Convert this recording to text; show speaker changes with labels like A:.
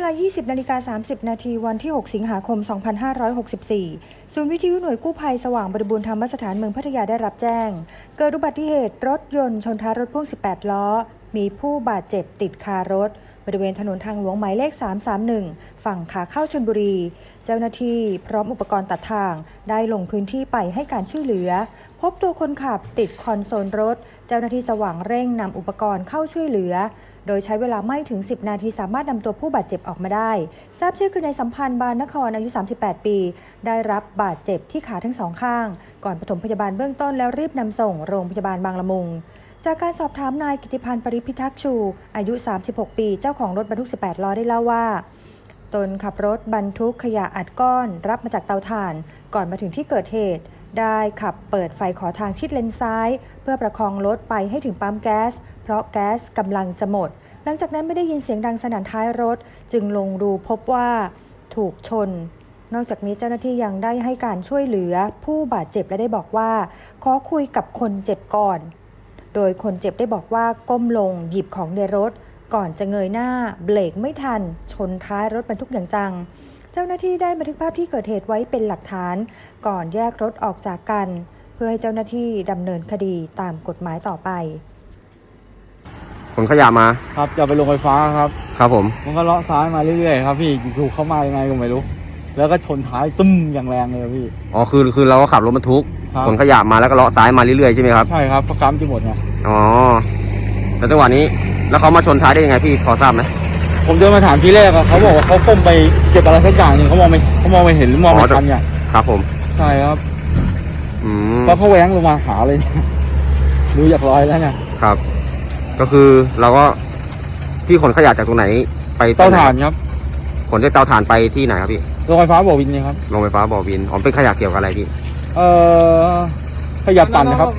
A: 20:30 น.วันที่ 6 สิงหาคม 2564 ศูนย์วิทยุหน่วยกู้ภัยสว่างบริบูรณ์ธรรมสถานเมืองพัทยาได้รับแจ้งเกิดอุบัติเหตุรถยนต์ชนท้ายรถพ่วง 18 ล้อ มีผู้บาดเจ็บติดคารถบริเวณถนนทางหลวงหมายเลข 331 ฝั่งขาเข้าชลบุรี เจ้าหน้าที่พร้อมอุปกรณ์ตัดทางได้ลงพื้นที่ไปให้การช่วยเหลือพบตัวคนขับติดคอนโซลรถเจ้าหน้าที่สว่างเร่งนำอุปกรณ์เข้าช่วยเหลือโดยใช้เวลาไม่ถึง10 นาทีสามารถนำตัวผู้บาดเจ็บออกมาได้ทราบชื่อคือนายสัมพันธ์บานนครอายุ 38 ปีได้รับบาดเจ็บที่ขาทั้งสองข้างก่อนปฐมพยาบาลเบื้องต้นแล้วรีบนำส่งโรงพยาบาลบางละมุงจากการสอบถามนายกิติพันธ์ปริพิทักษ์ชูอายุ 36 ปีเจ้าของรถบรรทุก 18 ล้อได้เล่าว่าตนขับรถบรรทุกขยะอัดก้อนรับมาจากเตาถ่านก่อนมาถึงที่เกิดเหตุได้ขับเปิดไฟขอทางชิดเลนซ้ายเพื่อประคองรถไปให้ถึงปั๊มแก๊สเพราะแก๊สกำลังจะหมดหลังจากนั้นไม่ได้ยินเสียงดังสนั่นท้ายรถจึงลงดูพบว่าถูกชนนอกจากนี้เจ้าหน้าที่ยังได้ให้การช่วยเหลือผู้บาดเจ็บและได้บอกว่าขอคุยกับคนเจ็บก่อนโดยคนเจ็บได้บอกว่าก้มลงหยิบของในรถก่อนจะเงยหน้าเบรกไม่ทันชนท้ายรถบรรทุกอย่างจังเจ้าหน้าที่ได้บันทึกภาพที่เกิดเหตุไว้เป็นหลักฐานก่อนแยกรถออกจากกันเพื่อให้เจ้าหน้าที่ดำเนินคดีตามกฎหมายต่อไป
B: ขนขยะมา
C: ครับจะไปลงไฟฟ้าครับ
B: ครับผม
C: มันก็เลาะซ้ายมาเรื่อยๆครับพี่ถูกเข้ามายังไงก็ไม่รู้แล้วก็ชนท้ายตึ้มอย่างแรงเลยพี่
B: อ๋อคือเราก็ขับรถบรรทุกขนขยะมาแล้วก็เลาะซ้ายมาเรื่อยๆใช่ไหมครับ
C: ใช่ครับเพราะกำจะหมดไง
B: อ๋อแล้วจังหวะนี้แล้วเขามาชนท้ายได้ยังไงพี่พอทราบไหม
C: ผมเดินมาถามทีแรกเขาบอกว่าเขาก้มไปเก็บอะไรสักอย่างนึงเขามองไม่เห็นหรือมองไม่ทันเนี่ย
B: ครับผม
C: ใช่ครับแล้วเขาแหวงลงมาหาเลยดูอยากลอยแล้วเนี่ย
B: ครับก็คือเราก็ที่ขนขยะจากตรงไหนไป
C: เตาถ่านครับ
B: ขนจากเตาถ่านไปที่ไหนครับพี่
C: โรงไฟฟ้าบ่อวินนี่ครับ
B: โรงไฟฟ้าบ่อวินอ๋อเป็นขยะเกี่ยวกับอะไรพี่
C: ขยะปั่นนะครับ